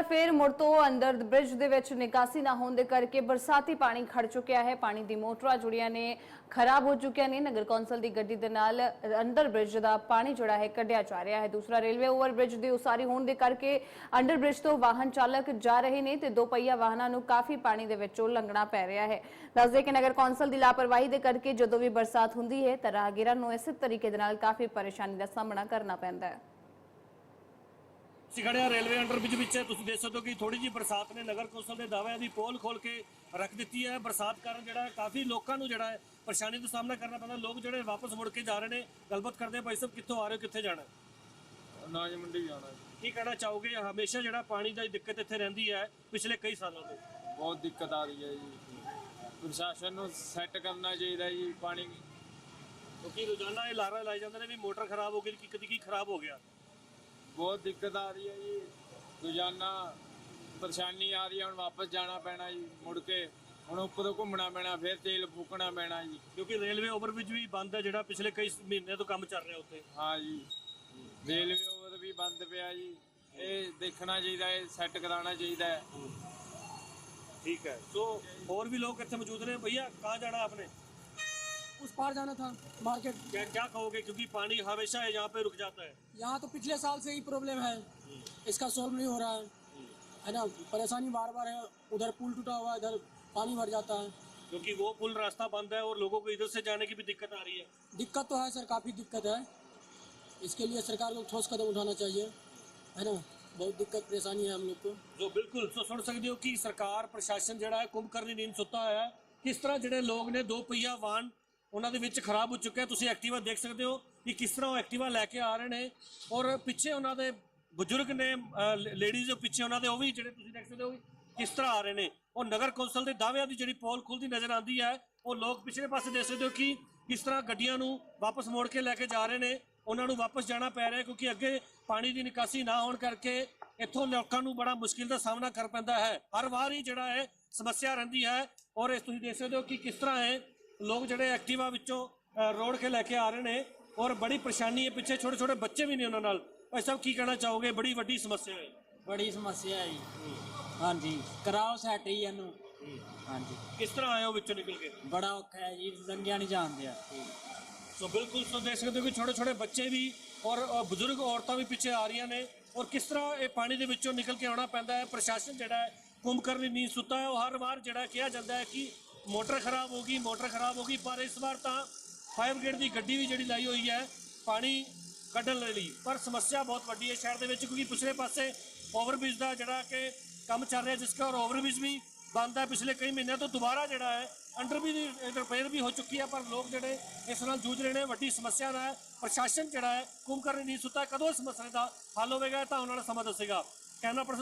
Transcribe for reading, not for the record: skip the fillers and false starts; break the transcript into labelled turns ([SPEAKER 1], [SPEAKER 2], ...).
[SPEAKER 1] फिर मुड़ तो अंदर ब्रिज दे विच निकासी ना होने करके बरसाती पानी खड़ चुकिया है। पानी दी मोटरां जुड़ियां ने खराब हो चुकिया ने। नगर कौंसल की गड्डी दे नाल अंडर ब्रिज का पानी जोड़ा है कढ़िया जा रहा है। दूसरा रेलवे ओवर ब्रिज की उसारी होने दे करके अंडर ब्रिज तो वाहन चालक जा रहे ने ते दो पहिया वाहनों नूं काफी पानी दे विचों लंघना पै रहा है। दस दे कि नगर कौंसल की लापरवाही दे करके जदों भी बरसात हुंदी है तां राहगीरां नूं इस तरीके दे नाल काफी परेशानी का सामना करना पैंदा है।
[SPEAKER 2] खड़े रेलवे अंडर ब्रिज देख सकते हो कि थोड़ी जी बरसात ने नगर कौंसल के दावे की पोल खोल के रख दी है। बरसात कारण जो काफ़ी लोगों को जो परेशानी का सामना करना पैंदा। लोग जो वापस मुड़ के जा रहे हैं। गलबात करते हैं, भाई साहब कितों आ रहे हो, कितने जाना?
[SPEAKER 3] अनाज मंडी जाना।
[SPEAKER 2] की कहना चाहोगे? हमेशा जो पानी की दिक्कत इतने रही है पिछले कई सालों से।
[SPEAKER 3] बहुत दिक्कत आ रही है जी, प्रशासन को सैट करना चाहिए जी पानी
[SPEAKER 2] क्योंकि रोजाना ये लारा लाई जाते हैं भी मोटर खराब हो गई, कभी की खराब हो गया।
[SPEAKER 3] बहुत दिक्कत आ रही है जी, रोजाना परेशानी आ रही है। हम वापस जाना पैना जी, मुड़ के हम उपर घूमना पैना, फिर तेल फूकना पैना जी।
[SPEAKER 2] क्योंकि रेलवे ओवरब्रिज भी बंद है जो पिछले कई महीने तो काम चल रहा है उत्ते।
[SPEAKER 3] हाँ जी, रेलवे ओवर भी बंद पिया जी, ये देखना चाहिए, सैट कराना चाहिए।
[SPEAKER 2] ठीक है, तो और भी लोग इतने मौजूद हैं। भैया कहाँ जाना आपने?
[SPEAKER 4] उस पार जाना था मार्केट।
[SPEAKER 2] क्या क्या कहोगे, क्योंकि पानी हमेशा है यहाँ पे रुक जाता है।
[SPEAKER 4] यहाँ तो पिछले साल से ही प्रॉब्लम है, इसका सॉल्व नहीं हो रहा है ना। परेशानी बार बार है, उधर पुल टूटा हुआ है, इधर पानी भर जाता है।
[SPEAKER 2] क्योंकि वो पुल रास्ता बंद है और लोगों को इधर से जाने की भी दिक्कत आ रही है।
[SPEAKER 4] दिक्कत तो है सर, काफ़ी दिक्कत है। इसके लिए सरकार को ठोस कदम उठाना चाहिए, है ना। बहुत दिक्कत परेशानी है हम लोग को।
[SPEAKER 2] जो बिल्कुल तो सुन सकते हो कि सरकार प्रशासन जो है कुंभकर्णी नींद सुता है। किस तरह जो लोग ने दो पहिया वाहन उन्होंने विच खराब हो चुका है। तुम एक्टिवा देख सकते हो कि किस तरह वो एक्टिवा लैके आ रहे हैं और पिछे उन्होंने बजुर्ग ने लेडीज पिछे उन्होंने भी जो देख सकते हो किस तरह आ रहे हैं। और नगर कौंसल के दावे की जी पोल खुलती नजर आती है। और लोग पिछले पासे देख सकते हो कि किस तरह गड्डियां वापस मोड़ के लैके जा रहे हैं। उन्होंने वापस जाना पै रहा है क्योंकि अगे पानी की निकासी ना होने करके इतों लोगों को बड़ा मुश्किल का सामना कर पैंदा है। हर बार ही जोड़ा है समस्या रही है। और इस तुम देख सकते हो कि किस तरह है लोग जोड़े एक्टिवा विचों रोड के लैके आ रहे हैं और बड़ी परेशानी है। पिछे छोटे छोटे बच्चे भी नहीं उन्होंने। भाई साहब की कहना चाहोगे? बड़ी वड्डी समस्या है।
[SPEAKER 5] बड़ी समस्या है जी। हाँ जी, कराओ सैट ही इनू। हाँ जी,
[SPEAKER 2] किस तरह आए हो विचों निकल के?
[SPEAKER 5] बड़ा औखा है जी, लंघिया नहीं जान दिया।
[SPEAKER 2] तो बिल्कुल तो देख सकते हो कि छोटे छोटे बच्चे भी और बुजुर्ग औरतां भी पिछे आ रही ने। और किस तरह ये पानी के विचों निकल के आना पैंदा है। प्रशासन जोड़ा है कुंभकर्णी नींद सुता है। और हर बार जोड़ा कहा जाता है कि मोटर खराब होगी, मोटर खराब होगी। पर इस बार तो फायर ब्रिगेड की गड्डी भी जी लाई हुई है पानी कढ़ने लई। पर समस्या बहुत वड्डी है शहर के, क्योंकि पिछले पासे ओवरब्रिज का जोड़ा कि काम चल रहा है जिसका, और ओवरब्रिज भी बंद है पिछले कई महीनों तो। दोबारा जोड़ा है अंडर भी रिपेयर भी हो चुकी है। पर लोग जोड़े इस नाल जूझ रहे हैं। वड्डी समस्या है। प्रशासन जोड़ा है कुंभकर्णी नींद सुता है। कदों इस मसले का हल होगा तो आने वाला समा दसेगा। Camera person